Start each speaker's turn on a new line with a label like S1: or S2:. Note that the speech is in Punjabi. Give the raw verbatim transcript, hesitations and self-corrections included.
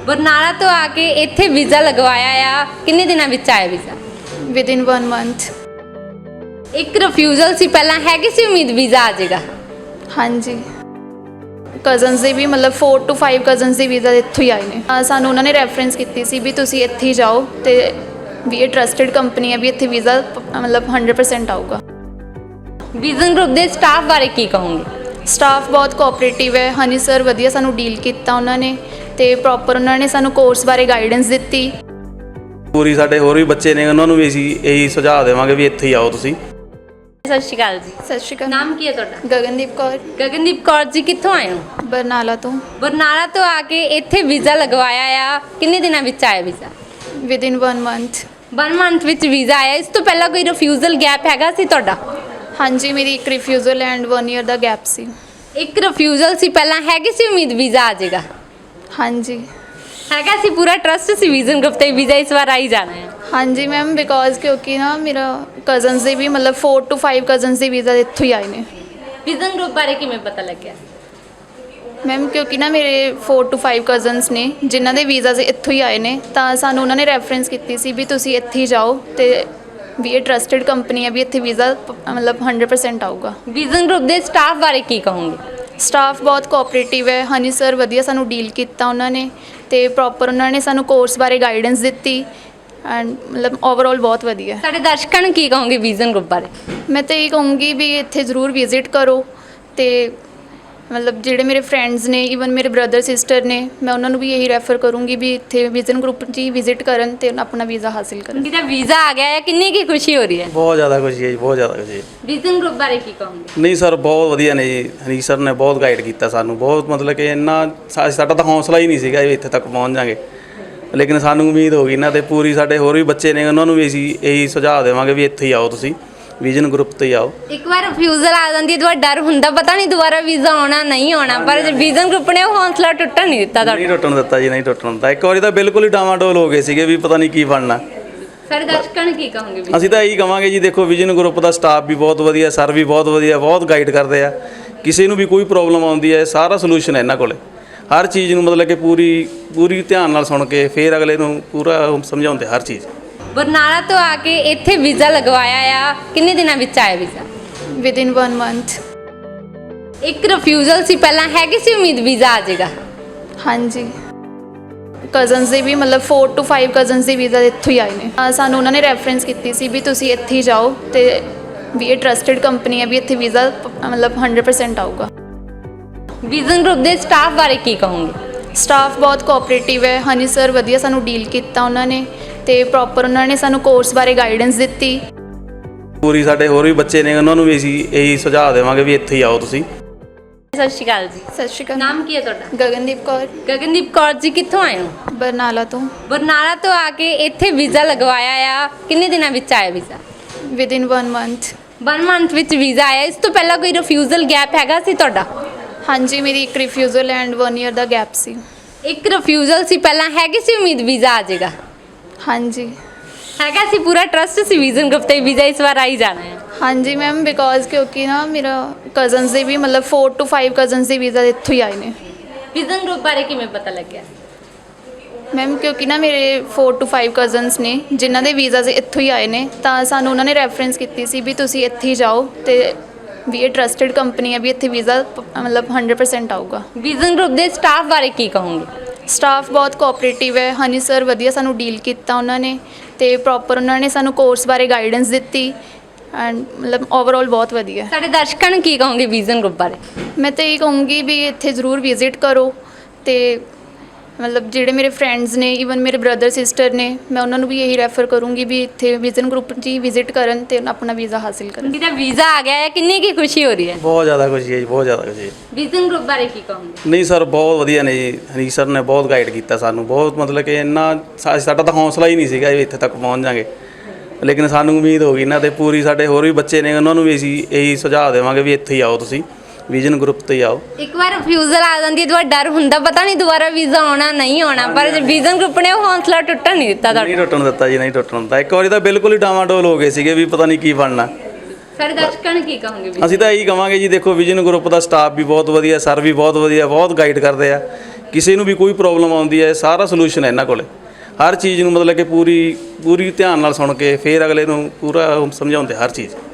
S1: ਬਰਨਾਲਾ ਤੋਂ ਆ ਕੇ ਇੱਥੇ ਵੀਜ਼ਾ ਲਗਵਾਇਆ ਆ, ਕਿੰਨੇ ਦਿਨਾਂ ਵਿੱਚ ਆਇਆ ਵੀਜ਼ਾ?
S2: Within one month.
S1: ਇੱਕ ਰਿਫਿਊਜ਼ਲ ਸੀ ਪਹਿਲਾਂ, ਹੈਗੀ ਸੀ ਉਮੀਦ ਵੀਜ਼ਾ ਆ ਜਾਏਗਾ?
S2: हाँ जी, ਕਜ਼ਨਸ ਦੇ ਵੀ ਮਤਲਬ फोर टू फाइव ਕਜ਼ਨਸ ਦੇ ਵੀਜ਼ਾ ਇੱਥੋਂ ਹੀ ਆਏ ਨੇ। ਅਹ ਸਾਨੂੰ ਉਹਨਾਂ ਨੇ ਰੈਫਰੈਂਸ ਕੀਤੀ ਸੀ ਵੀ ਤੁਸੀਂ ਇੱਥੇ ਹੀ ਜਾਓ ਤੇ ਵੀ ਇਹ ਟਰਸਟਡ ਕੰਪਨੀ ਹੈ, ਵੀ ਇੱਥੇ ਵੀਜ਼ਾ ਮਤਲਬ हंड्रेड परसेंट ਆਊਗਾ।
S1: ਵਿਜ਼ਨ ਗਰੁੱਪ ਦੇ ਸਟਾਫ ਬਾਰੇ ਕੀ ਕਹੋਗੇ?
S2: ਸਟਾਫ ਬਹੁਤ ਕੋਆਪਰੇਟਿਵ ਹੈ। ਹਨੀ ਸਰ ਵਧੀਆ ਸਾਨੂੰ ਡੀਲ ਕੀਤਾ ਉਹਨਾਂ ਨੇ ਤੇ ਪ੍ਰੋਪਰ ਉਹਨਾਂ ਨੇ ਸਾਨੂੰ ਕੋਰਸ ਬਾਰੇ ਗਾਈਡੈਂਸ ਦਿੱਤੀ।
S3: ਪੂਰੀ ਸਾਡੇ ਹੋਰ ਵੀ ਬੱਚੇ ਨੇ, ਉਹਨਾਂ ਨੂੰ ਵੀ ਅਸੀਂ ਇਹੀ ਸੁਝਾਅ ਦੇਵਾਂਗੇ ਵੀ ਇੱਥੇ ਹੀ ਆਓ ਤੁਸੀਂ।
S1: ਸਤਿ ਸ਼੍ਰੀ ਅਕਾਲ ਜੀ।
S2: ਸਤਿ ਸ਼੍ਰੀ ਅਕਾਲ।
S1: ਨਾਮ ਕੀ ਹੈ ਤੁਹਾਡਾ?
S2: ਗਗਨਦੀਪ ਕੌਰ,
S1: ਗਗਨਦੀਪ ਕੌਰ ਜੀ, ਕਿੱਥੋਂ ਆਏ ਹੋ?
S2: ਬਰਨਾਲਾ ਤੋਂ।
S1: ਬਰਨਾਲਾ ਤੋਂ ਆ ਕੇ ਇੱਥੇ ਵੀਜ਼ਾ ਲਗਵਾਇਆ ਆ, ਕਿੰਨੇ ਦਿਨਾਂ ਵਿੱਚ ਆਇਆ visa?
S2: Within one month.
S1: One month ਵਿੱਚ ਵੀਜ਼ਾ ਆਇਆ। ਇਸ ਤੋਂ ਪਹਿਲਾਂ ਕੋਈ ਰਿਫਿਊਜ਼ਲ ਗੈਪ ਹੈਗਾ ਸੀ ਤੁਹਾਡਾ?
S2: ਹਾਂਜੀ, ਮੇਰੀ ਇੱਕ ਰਿਫਿਊਜ਼ਲ ਐਂਡ वन ਈਅਰ ਦਾ ਗੈਪ ਸੀ।
S1: ਇੱਕ ਰਿਫਿਊਜ਼ਲ ਸੀ ਪਹਿਲਾਂ, ਹੈਗੀ ਸੀ ਉਮੀਦ ਵੀਜ਼ਾ ਆ ਜਾਏਗਾ?
S2: ਹਾਂਜੀ
S1: ਹੈਗਾ ਸੀ, ਪੂਰਾ ਟਰਸਟ ਸੀ ਵਿਜ਼ਨ ਗਰੁੱਪ ਤੇ ਵੀਜ਼ਾ ਇਸ ਵਾਰ ਆ ਹੀ ਜਾਣਾ ਹੈ।
S2: ਹਾਂਜੀ ਮੈਮ, ਬਿਕੋਜ਼ ਕਿਉਂਕਿ ਨਾ ਮੇਰਾ ਕਜ਼ਨਸ ਦੇ ਵੀ ਮਤਲਬ फोर टू फाइव ਕਜ਼ਨਸ ਦੇ ਵੀਜ਼ਾ ਇੱਥੋਂ ਹੀ ਆਏ ਨੇ।
S1: ਵਿਜ਼ਨ ਗਰੁੱਪ ਬਾਰੇ ਕਿਵੇਂ ਪਤਾ ਲੱਗਿਆ?
S2: ਮੈਮ ਕਿਉਂਕਿ ਨਾ ਮੇਰੇ फोर टू फाइव ਕਜ਼ਨਸ ਨੇ ਜਿਨ੍ਹਾਂ ਦੇ ਵੀਜ਼ਾ ਇੱਥੋਂ ਹੀ ਆਏ ਨੇ, ਤਾਂ ਸਾਨੂੰ ਉਹਨਾਂ ਨੇ ਰੈਫਰੈਂਸ ਕੀਤੀ ਸੀ ਵੀ ਤੁਸੀਂ ਇੱਥੇ ਹੀ ਜਾਓ ਤੇ ਵੀ ਇਹ ਟਰਸਟਡ ਕੰਪਨੀ ਹੈ, ਵੀ ਇੱਥੇ ਵੀਜ਼ਾ ਮਤਲਬ हंड्रेड परसेंट ਆਊਗਾ।
S1: ਵਿਜ਼ਨ ਗਰੁੱਪ ਦੇ ਸਟਾਫ ਬਾਰੇ ਕੀ ਕਹੋਗੇ?
S2: ਸਟਾਫ ਬਹੁਤ ਕੋਆਪਰੇਟਿਵ ਹੈ। ਹਨੀ ਸਰ ਵਧੀਆ ਸਾਨੂੰ ਡੀਲ ਕੀਤਾ ਉਹਨਾਂ ਨੇ ਤੇ ਪ੍ਰੋਪਰ ਉਹਨਾਂ ਨੇ ਸਾਨੂੰ ਕੋਰਸ ਬਾਰੇ ਗਾਈਡੈਂਸ ਦਿੱਤੀ ਐਂਡ ਮਤਲਬ ਓਵਰਆਲ ਬਹੁਤ ਵਧੀਆ।
S1: ਸਾਡੇ ਦਰਸ਼ਕਾਂ ਨੂੰ ਕੀ ਕਹੋਗੇ ਵਿਜ਼ਨ ਗਰੁੱਪ ਬਾਰੇ?
S2: ਮੈਂ ਤਾਂ ਇਹ ਕਹੂੰਗੀ ਵੀ ਇੱਥੇ ਜ਼ਰੂਰ ਵਿਜ਼ਿਟ ਕਰੋ ਤੇ ਮਤਲਬ ਜਿਹੜੇ ਮੇਰੇ ਫਰੈਂਡਸ ਨੇ, ਈਵਨ ਮੇਰੇ ਬ੍ਰਦਰ ਸਿਸਟਰ ਨੇ, ਮੈਂ ਉਹਨਾਂ ਨੂੰ ਵੀ ਇਹੀ ਰੈਫਰ ਕਰੂੰਗੀ ਵੀ ਇੱਥੇ ਵਿਜ਼ਨ ਗਰੁੱਪ 'ਚ ਹੀ ਵਿਜ਼ਿਟ ਕਰਨ ਤੇ ਆਪਣਾ ਵੀਜ਼ਾ ਹਾਸਿਲ ਕਰਨ।
S1: ਜਿਹਦਾ ਵੀਜ਼ਾ ਆ ਗਿਆ ਹੈ, ਕਿੰਨੀ ਕੀ ਖੁਸ਼ੀ ਹੋ ਰਹੀ ਹੈ?
S3: ਬਹੁਤ ਜ਼ਿਆਦਾ ਖੁਸ਼ੀ ਹੈ ਜੀ, ਬਹੁਤ ਜ਼ਿਆਦਾ ਖੁਸ਼ੀ ਹੈ।
S1: ਵਿਜ਼ਨ ਗਰੁੱਪ ਬਾਰੇ ਕੀ ਕਹੋਗੇ?
S3: ਨਹੀਂ ਸਰ, ਬਹੁਤ ਵਧੀਆ ਨੇ ਜੀ। ਹਨੀ ਸਰ ਨੇ ਬਹੁਤ ਗਾਈਡ ਕੀਤਾ ਸਾਨੂੰ, ਬਹੁਤ ਮਤਲਬ ਕਿ ਇੰਨਾ ਸਾ- ਸਾਡਾ ਤਾਂ ਹੌਸਲਾ ਹੀ ਨਹੀਂ ਸੀਗਾ ਵੀ ਇੱਥੇ ਤੱਕ ਪਹੁੰਚ ਜਾਵਾਂਗੇ, ਲੇਕਿਨ ਸਾਨੂੰ ਉਮੀਦ ਹੋ ਗਈ ਇਹਨਾਂ ਤੇ ਪੂਰੀ। ਸਾਡੇ ਹੋਰ ਵੀ ਬੱਚੇ ਨੇ, ਉਹਨਾਂ ਨੂੰ ਵੀ ਅਸੀਂ ਇਹੀ ਸੁਝਾਅ ਦੇਵਾਂਗੇ ਵੀ ਇੱਥੇ ਹੀ ਆਓ ਤੁਸੀਂ, ਵਿਜ਼ਨ ਗਰੁੱਪ ਤੇ ਹੀ ਆਓ।
S1: ਇੱਕ ਵਾਰ ਰਿਫਿਊਜ਼ਲ ਆ ਜਾਂਦੀ ਹੈ ਤਾਂ ਡਰ ਹੁੰਦਾ, ਪਤਾ ਨਹੀਂ ਦੁਬਾਰਾ ਵੀਜ਼ਾ ਆਉਣਾ ਨਹੀਂ ਆਉਣਾ, ਪਰ ਵਿਜ਼ਨ ਗਰੁੱਪ ਨੇ ਉਹ ਹੌਸਲਾ ਟੁੱਟਣ ਨਹੀਂ ਦਿੱਤਾ ਤੁਹਾਡਾ।
S3: ਨਹੀਂ ਟੁੱਟਣ ਦਿੱਤਾ ਜੀ, ਨਹੀਂ ਟੁੱਟਣ ਦਿੱਤਾ। ਇੱਕ ਵਾਰੀ ਤਾਂ ਬਿਲਕੁਲ ਹੀ ਡਾਵਾਡੋਲ ਹੋ ਗਏ ਸੀਗੇ ਵੀ ਪਤਾ ਨਹੀਂ ਕੀ ਬਣਨਾ।
S1: ਸਾਡੇ ਦਰਸ਼ਕਾਂ ਨੂੰ ਕੀ ਕਹੋਗੇ?
S3: ਅਸੀਂ ਤਾਂ ਇਹੀ ਕਵਾਂਗੇ ਜੀ, ਦੇਖੋ ਵਿਜ਼ਨ ਗਰੁੱਪ ਦਾ ਸਟਾਫ ਵੀ ਬਹੁਤ ਵਧੀਆ, ਸਰ ਵੀ ਬਹੁਤ ਵਧੀਆ, ਬਹੁਤ ਗਾਈਡ ਕਰਦੇ ਆ। ਕਿਸੇ ਨੂੰ ਵੀ ਕੋਈ ਪ੍ਰੋਬਲਮ ਆਉਂਦੀ ਹੈ, ਸਾਰਾ ਸੋਲੂਸ਼ਨ ਹੈ ਇਹਨਾਂ ਕੋਲੇ। ਹਰ ਚੀਜ਼ ਨੂੰ ਮਤਲਬ ਕਿ ਪੂਰੀ ਪੂਰੀ ਧਿਆਨ ਨਾਲ ਸੁਣ ਕੇ ਫਿਰ ਅਗਲੇ ਨੂੰ ਪੂਰਾ ਸਮਝਾਉਂਦੇ ਹਰ ਚੀਜ਼।
S1: ਬਰਨਾਲਾ ਤੋਂ ਆ ਕੇ ਇੱਥੇ ਵੀਜ਼ਾ ਲਗਵਾਇਆ ਆ, ਕਿੰਨੇ ਦਿਨਾਂ ਵਿੱਚ ਆਇਆ ਵੀਜ਼ਾ?
S2: Within one month.
S1: ਇੱਕ ਰਿਫਿਊਜ਼ਲ ਸੀ ਪਹਿਲਾਂ, ਹੈਗੀ ਸੀ ਉਮੀਦ ਵੀਜ਼ਾ ਆ ਜਾਏਗਾ?
S2: ਹਾਂਜੀ, ਕਜ਼ਨਸ ਦੇ ਵੀ ਮਤਲਬ फोर टू फाइव ਕਜ਼ਨਸ ਦੇ ਵੀਜ਼ਾ ਇੱਥੋਂ ਹੀ ਆਏ ਨੇ। ਅਹ ਸਾਨੂੰ ਉਹਨਾਂ ਨੇ ਰੈਫਰੈਂਸ ਕੀਤੀ ਸੀ ਵੀ ਤੁਸੀਂ ਇੱਥੇ ਹੀ ਜਾਓ ਤੇ ਵੀ ਇਹ ਟਰਸਟਡ ਕੰਪਨੀ ਹੈ, ਵੀ ਇੱਥੇ ਵੀਜ਼ਾ ਮਤਲਬ हंड्रेड परसेंट ਆਊਗਾ।
S1: ਵਿਜ਼ਨ ਗਰੁੱਪ ਦੇ ਸਟਾਫ ਬਾਰੇ ਕੀ ਕਹੋਗੇ?
S2: ਸਟਾਫ ਬਹੁਤ ਕੋਆਪਰੇਟਿਵ ਹੈ। ਹਨੀ ਸਰ ਵਧੀਆ ਸਾਨੂੰ ਡੀਲ ਕੀਤਾ ਉਹਨਾਂ ਨੇ ਤੇ ਪ੍ਰੋਪਰ ਉਹਨਾਂ ਨੇ ਸਾਨੂੰ ਕੋਰਸ ਬਾਰੇ ਗਾਈਡੈਂਸ ਦਿੱਤੀ।
S3: ਪੂਰੀ ਸਾਡੇ ਹੋਰ ਵੀ ਬੱਚੇ ਨੇ, ਉਹਨਾਂ ਨੂੰ ਵੀ ਅਸੀਂ ਇਹੀ ਸੁਝਾਅ ਦੇਵਾਂਗੇ ਵੀ ਇੱਥੇ ਹੀ ਆਓ ਤੁਸੀਂ।
S1: ਸਤਿ ਸ਼੍ਰੀ ਅਕਾਲ ਜੀ।
S2: ਸਤਿ ਸ਼੍ਰੀ ਅਕਾਲ।
S1: ਨਾਮ ਕੀ ਹੈ ਤੁਹਾਡਾ?
S2: ਗਗਨਦੀਪ ਕੌਰ,
S1: ਗਗਨਦੀਪ ਕੌਰ ਜੀ, ਕਿੱਥੋਂ ਆਏ ਹੋ?
S2: ਬਰਨਾਲਾ ਤੋਂ।
S1: ਬਰਨਾਲਾ ਤੋਂ ਆ ਕੇ ਇੱਥੇ ਵੀਜ਼ਾ ਲਗਵਾਇਆ ਆ, ਕਿੰਨੇ ਦਿਨਾਂ ਵਿੱਚ ਆਇਆ visa?
S2: Within one month.
S1: One month ਵਿੱਚ ਵੀਜ਼ਾ ਆਇਆ। ਇਸ ਤੋਂ ਪਹਿਲਾਂ ਕੋਈ ਰਿਫਿਊਜ਼ਲ ਗੈਪ ਹੈਗਾ ਸੀ ਤੁਹਾਡਾ?
S2: ਹਾਂਜੀ, ਮੇਰੀ ਇੱਕ ਰਿਫਿਊਜ਼ਲ ਐਂਡ वन ਈਅਰ ਦਾ ਗੈਪ ਸੀ।
S1: ਇੱਕ ਰਿਫਿਊਜ਼ਲ ਸੀ ਪਹਿਲਾਂ, ਹੈਗੀ ਸੀ ਉਮੀਦ ਵੀਜ਼ਾ ਆ ਜਾਏਗਾ?
S2: ਹਾਂਜੀ
S1: ਹੈਗਾ ਸੀ, ਪੂਰਾ ਟਰਸਟ ਸੀ ਵਿਜ਼ਨ ਗਰੁੱਪ ਤੇ ਵੀਜ਼ਾ ਇਸ ਵਾਰ ਆ ਹੀ ਜਾਣਾ ਹੈ।
S2: ਹਾਂਜੀ ਮੈਮ, ਬਿਕੋਜ਼ ਕਿਉਂਕਿ ਨਾ ਮੇਰਾ ਕਜ਼ਨਸ ਦੇ ਵੀ ਮਤਲਬ फोर टू फाइव ਕਜ਼ਨਸ ਦੇ ਵੀਜ਼ਾ ਇੱਥੋਂ ਹੀ ਆਏ ਨੇ।
S1: ਵਿਜ਼ਨ ਗਰੁੱਪ ਬਾਰੇ ਕਿਵੇਂ ਪਤਾ ਲੱਗਿਆ?
S2: ਮੈਮ ਕਿਉਂਕਿ ਨਾ ਮੇਰੇ फोर टू फाइव ਕਜ਼ਨਸ ਨੇ ਜਿਨ੍ਹਾਂ ਦੇ ਵੀਜ਼ਾ ਇੱਥੋਂ ਹੀ ਆਏ ਨੇ, ਤਾਂ ਸਾਨੂੰ ਉਹਨਾਂ ਨੇ ਰੈਫਰੈਂਸ ਕੀਤੀ ਸੀ ਵੀ ਤੁਸੀਂ ਇੱਥੇ ਹੀ ਜਾਓ ਤੇ ਵੀ ਇਹ ਟਰਸਟਡ ਕੰਪਨੀ ਹੈ, ਵੀ ਇੱਥੇ ਵੀਜ਼ਾ ਮਤਲਬ हंड्रेड परसेंट ਆਊਗਾ।
S1: ਵਿਜ਼ਨ ਗਰੁੱਪ ਦੇ ਸਟਾਫ ਬਾਰੇ ਕੀ ਕਹੋਗੇ?
S2: ਸਟਾਫ ਬਹੁਤ ਕੋਆਪਰੇਟਿਵ ਹੈ। ਹਨੀ ਸਰ ਵਧੀਆ ਸਾਨੂੰ ਡੀਲ ਕੀਤਾ ਉਹਨਾਂ ਨੇ ਤੇ ਪ੍ਰੋਪਰ ਉਹਨਾਂ ਨੇ ਸਾਨੂੰ ਕੋਰਸ ਬਾਰੇ ਗਾਈਡੈਂਸ ਦਿੱਤੀ ਐਂਡ ਮਤਲਬ ਓਵਰਆਲ ਬਹੁਤ ਵਧੀਆ।
S1: ਸਾਡੇ ਦਰਸ਼ਕਾਂ ਨੂੰ ਕੀ ਕਹੋਗੇ ਵਿਜ਼ਨ ਗਰੁੱਪ ਬਾਰੇ?
S2: ਮੈਂ ਤਾਂ ਇਹ ਕਹੂੰਗੀ ਵੀ ਇੱਥੇ ਜ਼ਰੂਰ ਵਿਜ਼ਿਟ ਕਰੋ ਤੇ ਮਤਲਬ ਜਿਹੜੇ ਮੇਰੇ ਫਰੈਂਡਸ ਨੇ, ਈਵਨ ਮੇਰੇ ਬ੍ਰਦਰ ਸਿਸਟਰ ਨੇ, ਮੈਂ ਉਹਨਾਂ ਨੂੰ ਵੀ ਇਹੀ ਰੈਫਰ ਕਰੂੰਗੀ ਵੀ ਇੱਥੇ ਵਿਜ਼ਨ ਗਰੁੱਪ 'ਚ ਹੀ ਵਿਜ਼ਿਟ ਕਰਨ ਤੇ ਆਪਣਾ ਵੀਜ਼ਾ ਹਾਸਿਲ ਕਰਨ।
S1: ਜਿਹਦਾ ਵੀਜ਼ਾ ਆ ਗਿਆ ਹੈ, ਕਿੰਨੀ ਕੀ ਖੁਸ਼ੀ ਹੋ ਰਹੀ ਹੈ?
S3: ਬਹੁਤ ਜ਼ਿਆਦਾ ਖੁਸ਼ੀ ਹੈ ਜੀ, ਬਹੁਤ ਜ਼ਿਆਦਾ ਖੁਸ਼ੀ ਹੈ।
S1: ਵਿਜ਼ਨ ਗਰੁੱਪ ਬਾਰੇ ਕੀ ਕਹੋਗੇ?
S3: ਨਹੀਂ ਸਰ, ਬਹੁਤ ਵਧੀਆ ਨੇ ਜੀ। ਹਨੀ ਸਰ ਨੇ ਬਹੁਤ ਗਾਈਡ ਕੀਤਾ ਸਾਨੂੰ, ਬਹੁਤ ਮਤਲਬ ਕਿ ਇੰਨਾ ਸਾ- ਸਾਡਾ ਤਾਂ ਹੌਸਲਾ ਹੀ ਨਹੀਂ ਸੀਗਾ ਵੀ ਇੱਥੇ ਤੱਕ ਪਹੁੰਚ ਜਾਵਾਂਗੇ, ਲੇਕਿਨ ਸਾਨੂੰ ਉਮੀਦ ਹੋ ਗਈ ਇਹਨਾਂ ਤੇ ਪੂਰੀ। ਸਾਡੇ ਹੋਰ ਵੀ ਬੱਚੇ ਨੇ, ਉਹਨਾਂ ਨੂੰ ਵੀ ਅਸੀਂ ਇਹੀ ਸੁਝਾਅ ਦੇਵਾਂਗੇ ਵੀ ਇੱਥੇ ਹੀ ਆਓ ਤੁਸੀਂ, ਵਿਜ਼ਨ ਗਰੁੱਪ ਤੇ ਹੀ ਆਓ।
S1: ਇੱਕ ਵਾਰ ਰਿਫਿਊਜ਼ਲ ਆ ਜਾਂਦੀ ਹੈ ਤਾਂ ਡਰ ਹੁੰਦਾ, ਪਤਾ ਨਹੀਂ ਦੁਬਾਰਾ ਵੀਜ਼ਾ ਆਉਣਾ ਨਹੀਂ ਆਉਣਾ, ਪਰ ਵਿਜ਼ਨ ਗਰੁੱਪ ਨੇ ਉਹ ਹੌਸਲਾ ਟੁੱਟਣ ਨਹੀਂ ਦਿੱਤਾ ਤੁਹਾਡਾ।
S3: ਨਹੀਂ ਟੁੱਟਣ ਦਿੱਤਾ ਜੀ, ਨਹੀਂ ਟੁੱਟਣ ਦਿੱਤਾ। ਇੱਕ ਵਾਰੀ ਤਾਂ ਬਿਲਕੁਲ ਹੀ ਡਾਵਾਡੋਲ ਹੋ ਗਏ ਸੀਗੇ ਵੀ ਪਤਾ ਨਹੀਂ ਕੀ ਬਣਨਾ।
S1: ਸਾਡੇ ਦਰਸ਼ਕਾਂ ਨੂੰ ਕੀ ਕਹੋਗੇ?
S3: ਅਸੀਂ ਤਾਂ ਇਹੀ ਕਵਾਂਗੇ ਜੀ, ਦੇਖੋ ਵਿਜ਼ਨ ਗਰੁੱਪ ਦਾ ਸਟਾਫ ਵੀ ਬਹੁਤ ਵਧੀਆ, ਸਰ ਵੀ ਬਹੁਤ ਵਧੀਆ, ਬਹੁਤ ਗਾਈਡ ਕਰਦੇ ਆ। ਕਿਸੇ ਨੂੰ ਵੀ ਕੋਈ ਪ੍ਰੋਬਲਮ ਆਉਂਦੀ ਹੈ ਸਾਰਾ ਸੋਲੂਸ਼ਨ ਹੈ ਇਹਨਾਂ ਕੋਲੇ। ਹਰ ਚੀਜ਼ ਨੂੰ ਮਤਲਬ ਕਿ ਪੂਰੀ ਪੂਰੀ ਧਿਆਨ ਨਾਲ ਸੁਣ ਕੇ ਫਿਰ ਅਗਲੇ ਨੂੰ ਪੂਰਾ ਸਮਝਾਉਂਦੇ ਹਰ ਚੀਜ਼।